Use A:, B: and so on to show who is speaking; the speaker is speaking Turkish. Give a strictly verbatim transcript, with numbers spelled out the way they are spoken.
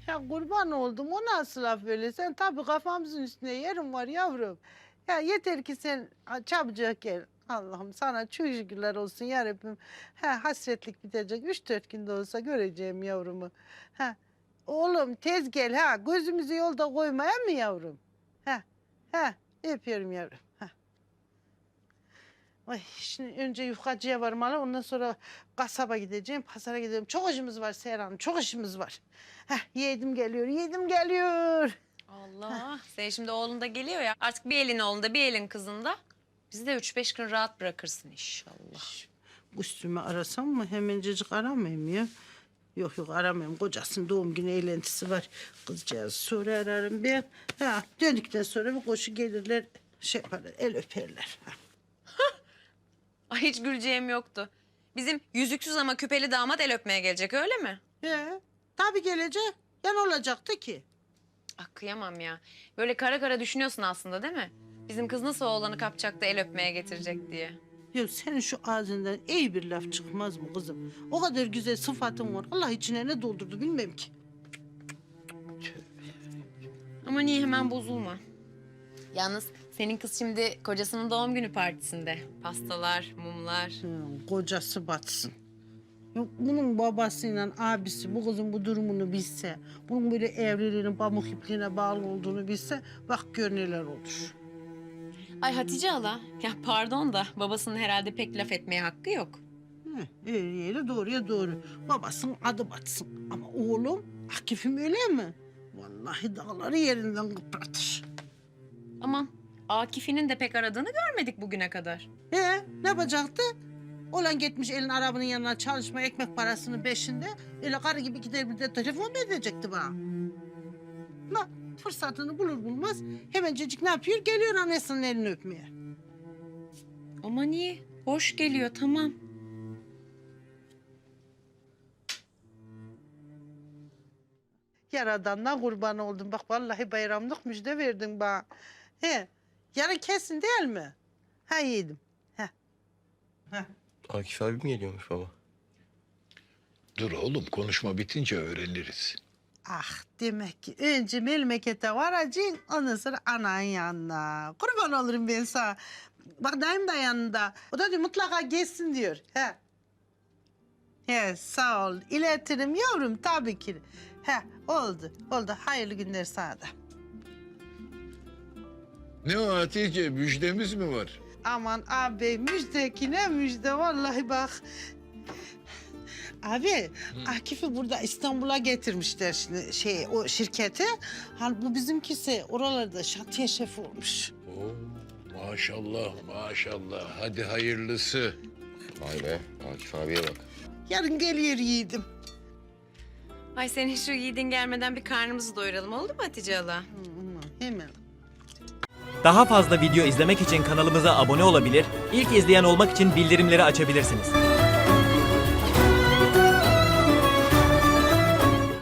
A: Ya kurban oldum, o nasıl laf öyle? Sen tabii kafamızın üstüne yerim var yavrum. Ya yeter ki sen ha, çabucak gel. Allah'ım sana çok şükürler olsun yarabbim. Ha, hasretlik bitecek. Üç dört günde olsa göreceğim yavrumu. Ha, oğlum tez gel ha. Gözümüzü yolda koymaya mı yavrum? Ha, ha, öpüyorum yavrum. Ha. Ay, şimdi önce yufkacıya varmalı, ondan sonra kasaba gideceğim, pazara gideceğim. Çok işimiz var Seher Hanım, çok işimiz var. Heh, yedim geliyor, yedim geliyor.
B: Allah. Sen şimdi oğlun da geliyor ya. Artık bir elin oğlunda bir elin kızında. Bizi de üç beş gün rahat bırakırsın inşallah.
A: Üstümü arasam mı? Hemencecik aramayayım ya. Yok yok aramayayım. Kocasının doğum günü eğlentisi var. Kızcağız sonra ararım ben. Ha, döndükten sonra bir koşu gelirler. Şey yaparlar, el öperler. Ha.
B: Ay hiç güleceğim yoktu. Bizim yüzüksüz ama küpeli damat el öpmeye gelecek öyle mi?
A: He, tabii gelecek. Ya ne olacaktı ki?
B: Ah kıyamam ya. Böyle kara kara düşünüyorsun aslında değil mi? Bizim kız nasıl oğlanı kapacak da el öpmeye getirecek diye.
A: Ya senin şu ağzından iyi bir laf çıkmaz mı kızım? O kadar güzel sıfatın var. Allah içine ne doldurdu bilmem ki.
B: Ama niye hemen bozulma? Yalnız senin kız şimdi kocasının doğum günü partisinde. Pastalar, mumlar.
A: Hı, kocası batsın. Yok, bunun babasıyla abisi bu kızın bu durumunu bilse, bunun böyle evliliğinin pamuk ipliğine bağlı olduğunu bilse, bak gör neler olur.
B: Ay Hatice hala, ya pardon da babasının herhalde pek laf etmeye hakkı yok.
A: Heh, eğriyle doğruya doğru. Babasının adı batsın. Ama oğlum, Akif'im öyle mi? Vallahi dağları yerinden kıpratır.
B: Aman Akif'inin de pek aradığını görmedik bugüne kadar.
A: He, ne yapacaktı? Olan gitmiş elin arabanın yanına çalışma ekmek parasının peşinde. Öyle karı gibi gider bir de telefon mu edecekti bana? La fırsatını bulur bulmaz hemencecik ne yapıyor? Geliyor annesinin elini öpmeye.
B: Aman iyi, hoş geliyor tamam.
A: Yaradan'dan kurban oldum. Bak vallahi bayramlık müjde verdin bana. He, yarın kesin değil mi? Ha yedim. He. He.
C: Akif abi mi geliyormuş baba?
D: Dur oğlum, konuşma bitince öğreniriz.
A: Ah demek ki önce memlekete varacaksın ondan sonra ananın yanına. Kurban olurum ben sana. Bak dayım da yanında. O da diyor mutlaka gelsin diyor. He. He sağ ol. İletirim yavrum tabii ki. He oldu. Oldu. Hayırlı günler sana da.
D: Ne o Hatice, müjdemiz mi var?
A: Aman abi müjdekine müjde vallahi bak. Abi Akif'i burada İstanbul'a getirmişler şimdi şey o şirkete. Hal bu bizimkisi oralarda şantiye şefi olmuş.
D: Oo, maşallah maşallah, hadi hayırlısı.
C: Vay be Akif abiye bak.
A: Yarın geliyor yiğidim.
B: Ay senin şu yiğidin gelmeden bir karnımızı doyuralım oldu mu Hatice hala?
A: Hı, hı, hemen.
E: Daha fazla video izlemek için kanalımıza abone olabilir, ilk izleyen olmak için bildirimleri açabilirsiniz.